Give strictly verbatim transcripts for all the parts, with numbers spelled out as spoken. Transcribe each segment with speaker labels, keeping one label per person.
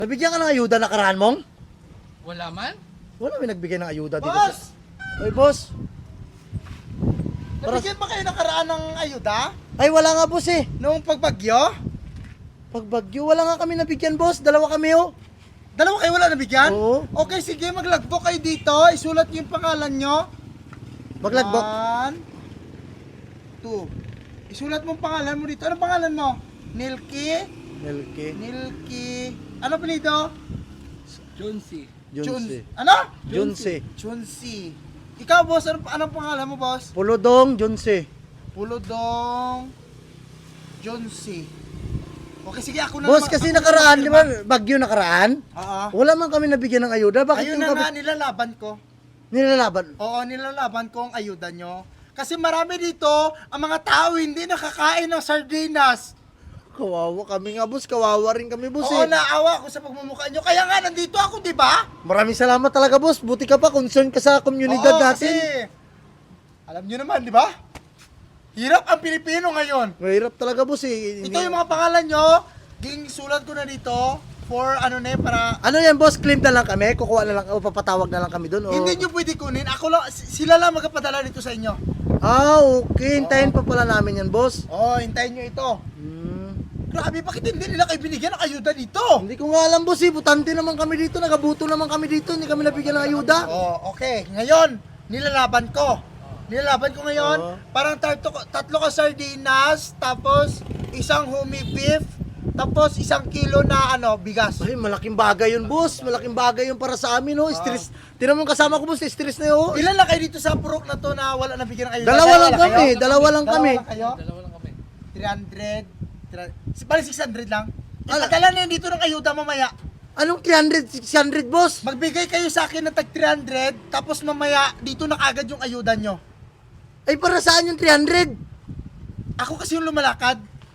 Speaker 1: Nabigyan ka ng ayuda nakaraan mong?
Speaker 2: Wala man?
Speaker 1: Wala may nagbigay ng ayuda dito.
Speaker 3: Boss!
Speaker 1: Sa... Ay, boss. Para...
Speaker 3: Nabigyan ba kayo nakaraan ng ayuda?
Speaker 1: Ay, wala nga, boss eh.
Speaker 3: Noong pagbagyo?
Speaker 1: Pagbagyo, wala nga kami nabigyan, boss. Dalawa kami, oh.
Speaker 3: Dalawa kayo wala nabigyan?
Speaker 1: Oo.
Speaker 3: Okay, sige, maglagbo kayo dito. Isulat niyo yung pangalan nyo.
Speaker 1: Maglagbok.
Speaker 3: One, two. Isulat mo ang pangalan mo dito. Ano pangalan mo? Nilki?
Speaker 1: Melke.
Speaker 3: Nilki. Ano apelyido?
Speaker 2: Jonesy.
Speaker 1: Junse.
Speaker 3: Ano?
Speaker 1: Junse.
Speaker 3: Chunsi. Ikaw, boss, ano, anong pangalan mo, boss?
Speaker 1: Pulodong Junse.
Speaker 3: Pulodong Jonsi. Okay, sige, ako na
Speaker 1: Boss,
Speaker 3: naman-
Speaker 1: kasi
Speaker 3: ako na
Speaker 1: nakaraan,
Speaker 3: naman
Speaker 1: di ba? Bagyo nakaraan.
Speaker 3: Oo.
Speaker 1: Wala man kami nabigyan ng ayuda. Bakit
Speaker 3: Ayun
Speaker 1: yung
Speaker 3: na nga,
Speaker 1: kami
Speaker 3: nilalaban ko.
Speaker 1: nilalaban?
Speaker 3: Oo, nilalaban ko ang ayuda nyo. Kasi marami dito, ang mga tao hindi nakakain ng sardinas.
Speaker 1: Kawawa kami nga, boss. Kawawa rin kami, boss
Speaker 3: Oo,
Speaker 1: eh.
Speaker 3: naawa ako sa pagmumukha nyo. Kaya nga, nandito ako, di ba?
Speaker 1: Maraming salamat talaga, boss. Buti ka pa, concern ka sa komunidad
Speaker 3: Oo,
Speaker 1: natin.
Speaker 3: kasi, alam nyo naman, di ba? Hirap ang Pilipino ngayon.
Speaker 1: Mahirap talaga, boss eh.
Speaker 3: Ito yung mga pangalan nyo, ging sulat ko na dito, for ano na eh, para...
Speaker 1: Ano yan, boss? Claim na lang kami? Kukuha na lang, o papatawag na lang kami doon? O...
Speaker 3: Hindi nyo pwede kunin, ako lang, s- sila lang magpapadala dito sa inyo.
Speaker 1: Ah, okay. Hintayin pa pala namin yan, boss.
Speaker 3: Oo, hintayin nyo ito.
Speaker 1: Hmm.
Speaker 3: Grabe, bakit hindi nila kayo binigyan ng ayuda dito?
Speaker 1: Hindi ko nga alam, boss eh. Butante naman kami dito. Nagabuto naman kami dito. Hindi kami nabigyan ng ayuda.
Speaker 3: Oh, okay. Ngayon, nilalaban ko. Nilalaban ko ngayon,
Speaker 1: Oo.
Speaker 3: parang tatlo, tatlo ka sardinas, tapos isang humi beef, tapos isang kilo na ano, bigas.
Speaker 1: Ay, malaking bagay yun, boss. Malaking bagay yun para sa amin, no? Stress. Tinan mo yung kasama ko, boss. Stress na yun.
Speaker 3: Ilan lang kayo dito sa purok na to na wala nabigyan ng ayuda?
Speaker 1: Dalawa lang
Speaker 3: kayo?
Speaker 1: kami. Dalawa lang kami.
Speaker 3: Dalawa lang kayo?
Speaker 2: Dalawa lang kami.
Speaker 3: three hundred. Si bali six hundred lang.
Speaker 1: Ala.
Speaker 3: Ipadala na yun dito ng ayuda mamaya.
Speaker 1: Anong three hundred, six hundred, boss?
Speaker 3: Magbigay kayo sa akin ng tag three hundred, tapos mamaya dito na kagad yung ayuda nyo.
Speaker 1: Ay, para saan yung three hundred?
Speaker 3: Ako kasi yung lumalakad.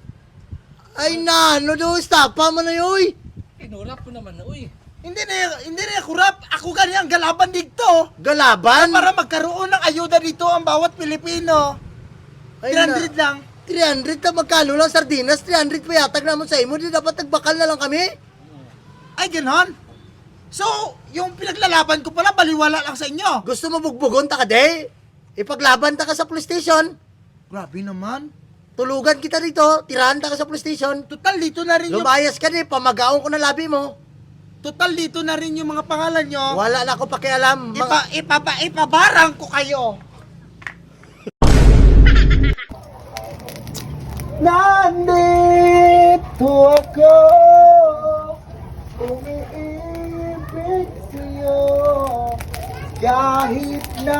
Speaker 1: Ay, na, ano daw, estapa mo na yun.
Speaker 2: Inurap ko naman na, uy.
Speaker 3: Hindi na, hindi na kurap. Ako ganyan, galaban dito.
Speaker 1: Galaban?
Speaker 3: Para magkaroon ng ayuda dito ang bawat Pilipino.
Speaker 1: Ay,
Speaker 3: three hundred
Speaker 1: na.
Speaker 3: lang.
Speaker 1: three hundred na magkano lang sardinas? three hundred pa yatag naman sa imo. Di dapat nagbakal na lang kami?
Speaker 3: Ay, ganon. So, yung pinaglalaban ko pala, baliwala lang sa inyo.
Speaker 1: Gusto mo bugbugon ta ka, de? Ipaglaban ta ka sa police station.
Speaker 3: Grabe naman.
Speaker 1: Tulugan kita dito. Tirahan ta ka sa police station.
Speaker 3: Total, dito na rin yung...
Speaker 1: Lumayas ka, de. Pamagaon ko na labi mo.
Speaker 3: Total, dito na rin yung mga pangalan nyo.
Speaker 1: Wala na ako pakialam. Mga...
Speaker 3: Ipa, ipapa, ipabarang ko kayo. Nandito ako, umiibig sa'yo, kahit na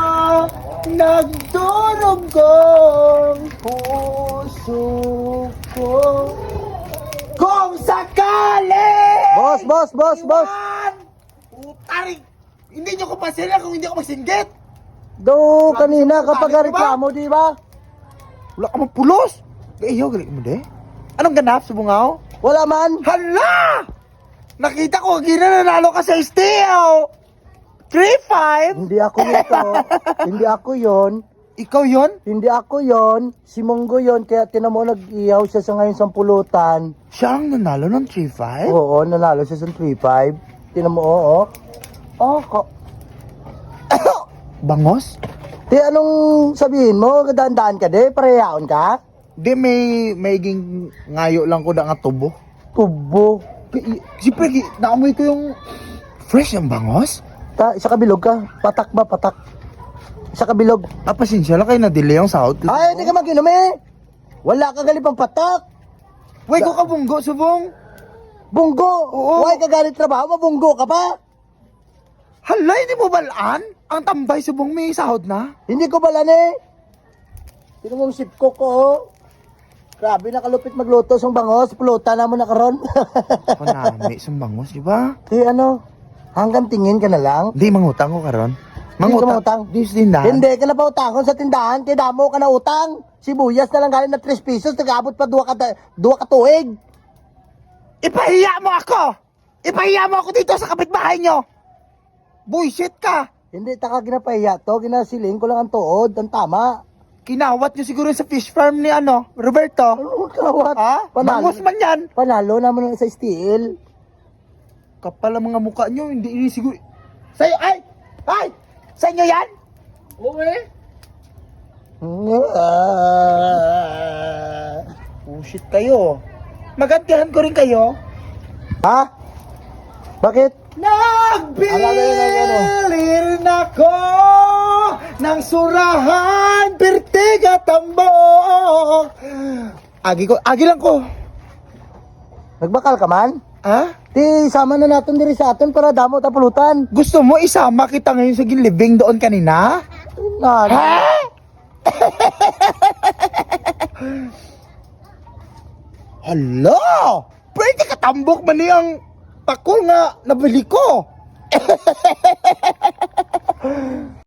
Speaker 3: nagdurugong puso ko. Kung sakali!
Speaker 1: Boss, boss, boss, boss.
Speaker 3: Iwan! Utaring! Hindi nyo ko pasila kung hindi ako magsinggit!
Speaker 1: Do,
Speaker 3: Grabe
Speaker 1: kanina
Speaker 3: sa
Speaker 1: kapag
Speaker 3: ugali,
Speaker 1: reklamo, di ba?
Speaker 3: Wala ka magpulos! Iyo, galing mo de? Anong ganap sa bungaw?
Speaker 1: Wala man.
Speaker 3: Hala! Nakita ko, gina nanalo ka sa steel! three five?
Speaker 1: Hindi ako nito. Hindi ako yon.
Speaker 3: Ikaw yon?
Speaker 1: Hindi ako yon. Si Monggo yon. Kaya tinan mo, nag-ihaw siya sa ngayon sa pulutan.
Speaker 3: Siya ang nanalo ng three five?
Speaker 1: Oo, nanalo siya sa three five. Tinan mo, oo.
Speaker 3: Oh, ko... Bangos?
Speaker 1: Di, anong sabihin mo? Daan-daan ka, de? Parehaon ka?
Speaker 3: Di, may maiging ngayo lang ko na nga tubo.
Speaker 1: Tubo.
Speaker 3: Siyempre, gi- naamoy ko yung fresh ang bangos.
Speaker 1: Ta, isa kabilog ka. Patak ba, patak? Isa kabilog.
Speaker 3: Ah, pasensya lang kayo na-delay ang sahod ko.
Speaker 1: Ay, hindi ka mag-inom eh. Wala ka galipang patak.
Speaker 3: Wait, ko ka bunggo, subong.
Speaker 1: Bunggo.
Speaker 3: Oo.
Speaker 1: Huwag ka galit trabaho, mabunggo ka pa.
Speaker 3: Hala, hindi mo balaan? Ang tambay subong may sahod na?
Speaker 1: Hindi ko balan eh. Tinan mo yung sipko ko, oh. Grabe, nakalupit magluto sa bangos. Pulutan naman na karon.
Speaker 3: Panami, sumbangos, di ba?
Speaker 1: Di ano, hanggang tingin ka na lang.
Speaker 3: Hindi, mangutang ko karon.
Speaker 1: Hindi ka mangutang?
Speaker 3: Di sa tindahan.
Speaker 1: Hindi ka na pa utangon sa tindahan. Kaya damo ka na utang. Sibuyas na lang galing na three pesos. Nag-abot pa dua ka, dua ka tuig.
Speaker 3: Ipahiya mo ako! Ipahiya mo ako dito sa kapitbahay nyo! Bullshit ka!
Speaker 1: Hindi, taka ginapahiya to. Ginasiling ko lang ang tuod. Ang tama.
Speaker 3: Kinawat nyo siguro sa fish farm ni ano, Roberto.
Speaker 1: Ano kawat?
Speaker 3: Ha?
Speaker 1: Panalo.
Speaker 3: Bangos man yan.
Speaker 1: Panalo naman sa steel.
Speaker 3: Kapal ang mga mukha nyo, hindi ini siguro. Sa'yo, ay! Ay! Sa inyo yan?
Speaker 2: Oo eh.
Speaker 1: Ah.
Speaker 3: Bullshit kayo. Magantihan ko rin kayo.
Speaker 1: Ha? Bakit?
Speaker 3: Nagbilir na ko ng surahan, Pertega, Tambo. Agi ko, agi lang ko.
Speaker 1: Nagbakal ka man?
Speaker 3: Ha?
Speaker 1: Di, sama na natin diri sa atin para damo ta pulutan.
Speaker 3: Gusto mo isama kita ngayon sa gilibing doon kanina?
Speaker 1: Na,
Speaker 3: Ha? Hala! Pwede ka tambok man niyang pakul nga nabili ko.